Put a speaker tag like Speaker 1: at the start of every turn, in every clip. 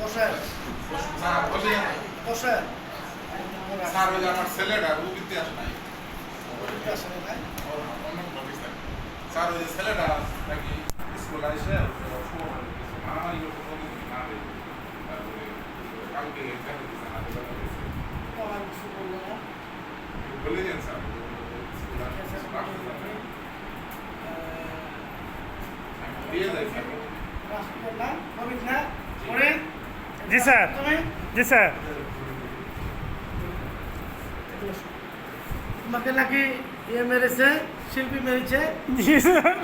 Speaker 1: বসেন
Speaker 2: স্যার বসে
Speaker 1: বসেন
Speaker 2: স্যার ওই যে আমার ছেলেটা ও কিন্তু আসে নাই
Speaker 1: আসলে নাই
Speaker 2: স্যার ওই যে ছেলেটা নাকি স্কুলে এসে মা ইয়ে না দেয় তারপরে কালকে দেখা দিচ্ছে না
Speaker 1: আমার কিছু বললো না
Speaker 2: বলে দেন স্যার দিয়ে দেয় স্যার
Speaker 1: রাষ্ট্রপতি কবির না পড়েন
Speaker 3: জি স্যার
Speaker 1: তুমি
Speaker 3: জি স্যার
Speaker 1: তোমাকে নাকি ইয়ে মেরেছে শিল্পী মেরেছে
Speaker 3: জি স্যার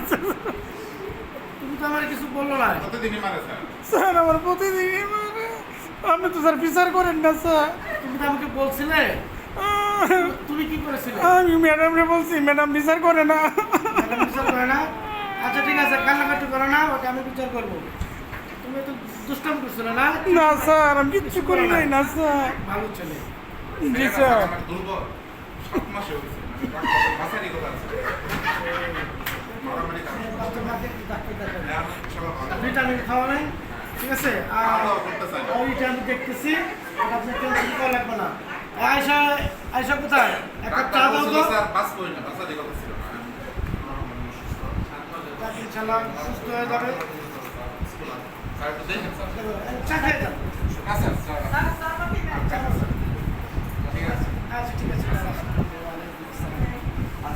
Speaker 1: তুমি তো আমার কিছু বললো না
Speaker 2: প্রতিদিনই মারে স্যার
Speaker 3: স্যার আমার প্রতিদিনই মারে। আপনি তো স্যার বিচার করেন না স্যার।
Speaker 1: তুমি তো আমাকে বলছিলে তুমি কি করেছিলে
Speaker 3: আমি ম্যাডামরে বলছি, ম্যাডাম বিচার করে না।
Speaker 1: ম্যাডাম বিচার করে না আচ্ছা ঠিক আছে কান্নাকাটি করো না ওটা আমি বিচার করবো তুমি তো দুষ্টাম করছিলে না
Speaker 3: না স্যার, আমি কিচ্ছু করি নাই না স্যার।
Speaker 1: ভালো ছেলে
Speaker 3: জি স্যার।
Speaker 2: আমার দুর্বল 7 মাসে হয়েছে মাসারি কথা আছে মারামারি কাজ
Speaker 1: বাচ্চা মাকে একটু ডাক্তার দেখাবে
Speaker 2: ইনশাআল্লাহ ভালো
Speaker 1: ভিটামিন খাওয়াবেন ঠিক আছে আর
Speaker 2: খাওয়া-দাওয়া করতে চাই না।
Speaker 1: ওইটা আমি দেখতেছি ওটা আপনি টেনশন করা লাগবে না আয়সা আয়সা কোথায় একটা চা
Speaker 2: ডাক্তার
Speaker 1: দাও
Speaker 2: বলছিল
Speaker 1: তো
Speaker 2: স্যার বাস করি না বাসারি কথা ছিল না
Speaker 1: তাকে ইনশাল্লাহ সুস্থ হয়ে যাবে
Speaker 2: স্যার একটু দেখেন স্যার
Speaker 1: চা খেয়ে যান
Speaker 2: না স্যার স্যার
Speaker 1: চা খান।
Speaker 2: ঠিক আছে
Speaker 1: আচ্ছা ঠিক আছে